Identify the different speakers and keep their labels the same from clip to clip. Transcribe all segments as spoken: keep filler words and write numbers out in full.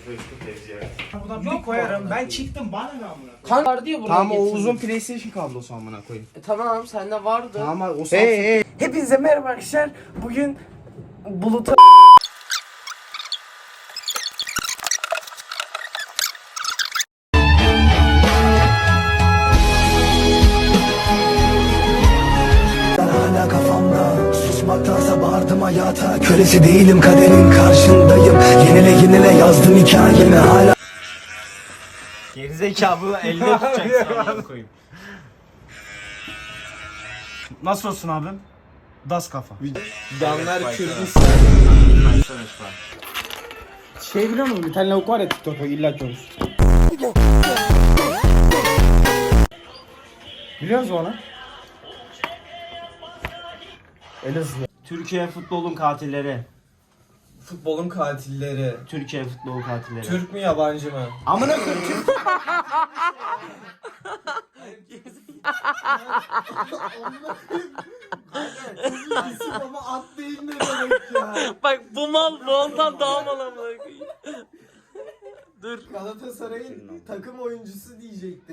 Speaker 1: Buradan bir koyarım. Ben çıktım bana ne amına.
Speaker 2: Kan var diye buraya
Speaker 3: Tamam o
Speaker 2: getirdim.
Speaker 3: uzun PlayStation kablosu amına koyayım.
Speaker 2: E, tamam sende vardı.
Speaker 3: Tamam o Samsung.
Speaker 1: Hey hey.
Speaker 2: Hepinize merhaba arkadaşlar. Bugün Bulut'a
Speaker 4: Hala kafamda susmaktansa bağırdım hayata. Kölesi değilim kaderin karşındayım. Yenile yenile yazdım hikayemi hala.
Speaker 3: Gerizekalı elde tutacaksın amına koyayım. Nasıl olsun abim? Das kafa.
Speaker 1: Canlar Kürdistan.
Speaker 3: Şey biliyor musun? Bir tane lavuk var ya TikTok'ta illa görmüş. Biliyor musun onu? Elazığ. Türkiye futbolun katilleri.
Speaker 1: Futbolun katilleri.
Speaker 3: Türkiye futbol katilleri.
Speaker 1: Türk mü yabancı mı?
Speaker 3: Amına koyayım Türk.
Speaker 1: Ama at değil ne demek ya?
Speaker 2: Bak bu mal bu ondan daha mal amına koyayım. Dur.
Speaker 1: Galatasaray'ın takım oyuncusu diyecekti.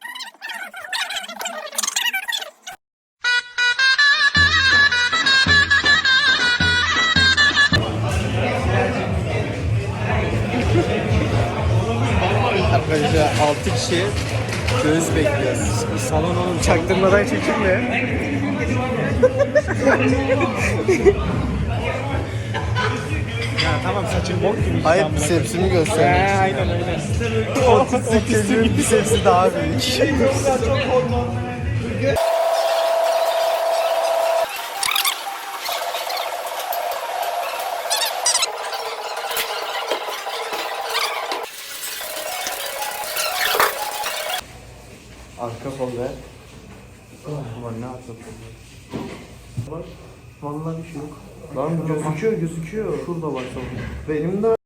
Speaker 1: Arkadaşlar altı kişi göz bekliyoruz. Salon oğlum çaktırmadan çekilme.
Speaker 3: Ya tamam saçın bok gibi.
Speaker 1: Hayır bisepsimi göstermek için.
Speaker 3: Aynen aynen.
Speaker 1: otuz sekizin bisepsi daha büyük. Arka kol ver. Ulan ne atın? Vallahi bir şey yok. Lan gözüküyor gözüküyor. Şurada bak sonra. Benim de